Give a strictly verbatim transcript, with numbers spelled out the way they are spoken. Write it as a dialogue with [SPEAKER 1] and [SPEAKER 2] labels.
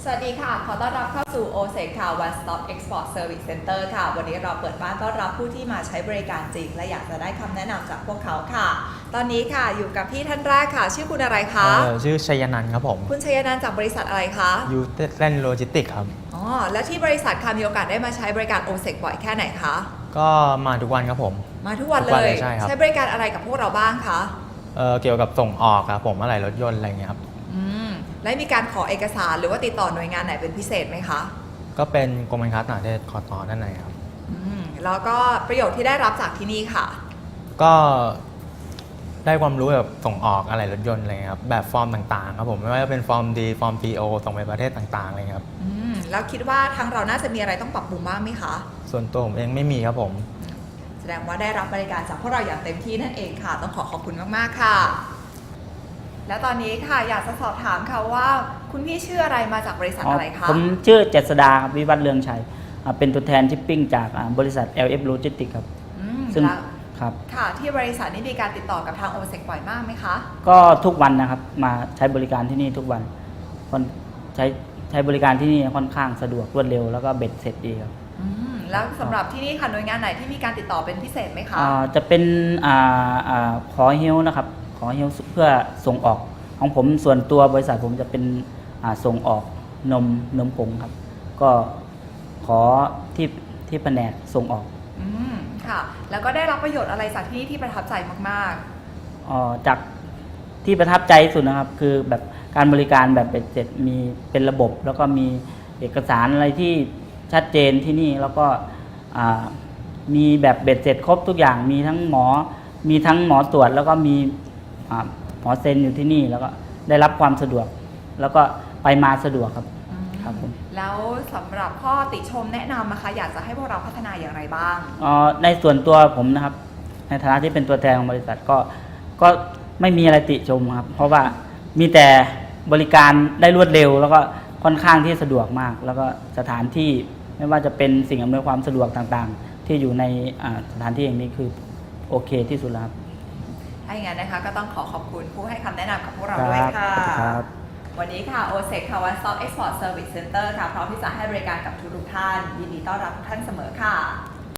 [SPEAKER 1] วัสดีค่ะขอต้อนรับเข้าสู่ โอ เซค ค่ะ One Stop Export Service Center ค่ะวันนี้เราเปิดบ้านต้อนรับผู้ที่มาใช้บริการจริงและอยากจะได้คำแนะนำจากพวกเขาค่ะ ตอนนี้ค่ะอยู่กับพี่ท่านแรกค่ะ ชื่อคุณอะไรคะ
[SPEAKER 2] เออชื่อชัยนันท์ครับผม
[SPEAKER 1] คุณชัยนันท์จากบริษัทอะไรคะ
[SPEAKER 2] ยูเล่นโลจิสติกครับ
[SPEAKER 1] อ๋อแล้วที่บริษัทค่ะมีโอกาสได้มาใช้บริการ โอ เซค บ่อยแค่ไหนคะ
[SPEAKER 2] ก็มาทุกวันครับผม
[SPEAKER 1] มาทุกวัน
[SPEAKER 2] ทุกวัน
[SPEAKER 1] เล
[SPEAKER 2] เลย ยใช่ครับ
[SPEAKER 1] ใช้บริการอะไรกับพวกเราบ้างคะ
[SPEAKER 2] เออเกี่ยวกับส่งออกครับผมอะไรรถยนต์อะไรเงี้ยครับ
[SPEAKER 1] อืมและมีการขอเอกสารหรือว่าติดต่อหน่วยงานไหนเป็นพิเศษไหมคะ
[SPEAKER 2] ก็เป็นกรมการค้าต่างประเทศคอตอด้านในครับ
[SPEAKER 1] อืมแล้วก็ประโยชน์ที่ได้รับจากที่นี่ค่ะ
[SPEAKER 2] ก็ได้ความรู้แบบส่งออกอะไรรถยนต์อะไรเงี้ยครับแบบฟอร์มต่างๆครับผมไม่ว่าจะเป็นฟอร์มดีฟอร์ม พี โอ ส่งไปประเทศต่างๆอะไรเงี้ยครับ
[SPEAKER 1] อืมแล้วคิดว่าทางเราน่าจะมีอะไรต้องปรับปรุงบ้างไหมคะ
[SPEAKER 2] ส่วนตัวผมเองไม่มีครับผม
[SPEAKER 1] แสดงว่าได้รับบริการจากพวกเราอย่างเต็มที่นั่นเองค่ะ ต้องขอขอบคุณมากๆค่ะ และตอนนี้ค่ะอยากจะสอบถามค่ะว่าคุณพี่ชื่ออะไรมาจากบริษัทอะไรคะ
[SPEAKER 3] ผมชื่อเจษดาครับวิวัฒน์เรืองชัยอ่าเป็นตัวแทนชิปปิ้งจากอ่าบริษัท แอล เอฟ Logistics ครับ
[SPEAKER 1] อืม
[SPEAKER 3] ซึ่ง
[SPEAKER 1] แล้ว
[SPEAKER 3] ครับ
[SPEAKER 1] ค่ะที่บริษัทนี้มีการติดต่อกับทาง โอ เซค บ่อยมากไหมคะ
[SPEAKER 3] ก็ทุกวันนะครับมาใช้บริการที่นี่ทุกวันคนใช้ใช้บริการที่นี่ค่อนข้างสะดวกรวดเร็วแล้วก็เบ็ดเสร็จดีครับ
[SPEAKER 1] อืมแล้วสำหรับที่นี่ค่ะหน่วยงานไหนที่มีการติดต่อเป็นพิเศษไหมคะ
[SPEAKER 3] อ่าจะเป็นอ่าอ่าขอเฮลนะครับขอเฮลเพื่อส่งออกของผมส่วนตัวบริษัทผมจะเป็นอ่าส่งออกนมนมผงครับ ก็ขอที่ที่แผนกส่งออก
[SPEAKER 1] อืมค่ะ แล้วก็ได้รับประโยชน์อะไรจากที่นี่ที่ประทับใจมาก
[SPEAKER 3] เอ่อจากที่ประทับใจที่สุดนะครับ คือแบบการบริการแบบเป็นเสร็จมีเป็นระบบ แล้วก็มีเอกสารอะไรที่ชัดเจนที่นี่แล้วก็อ่ามีแบบเบ็ดเสร็จครบทุกอย่างมีทั้งหมอมีทั้งหมอตรวจ แล้วก็มีอ่าหมอเซ็นอยู่ที่นี่แล้วก็ได้รับความสะดวก แล้วก็ไปมาสะดวกครับ
[SPEAKER 1] ๆอืม
[SPEAKER 3] ครับผม
[SPEAKER 1] แล้วสำหรับข้อติชมแนะนำนะคะอยากจะให้พวกเราพัฒนาอย่างไรบ้าง
[SPEAKER 3] เอ่อในส่วนตัวผมนะครับ ในฐานะที่เป็นตัวแทนของบริษัทก็ก็ไม่มีอะไรติชมครับ เพราะว่ามีแต่บริการได้รวดเร็ว แล้วก็ค่อนข้างที่สะดวกมาก แล้วก็สถานที่ไม่ว่าจะเป็นสิ่งอำนวยความสะดวกต่างๆ ที่อยู่ในอ่าสถานที่อย่างนี้คือโอเคที่สุดแล้วครับ
[SPEAKER 1] ถ้าอย่างนั้นนะคะก็ต้องขอขอบคุณผู้ให้คำแนะนำกับพวกเราด้วยค่ะ
[SPEAKER 3] ครับ
[SPEAKER 1] วันนี้ค่ะ โอ เซค ค่ะ One Stop Export Service Center ค่ะพร้อมที่จะให้บริการกับทุกๆท่านยินดีต้อนรับทุกท่านเสมอค่ะ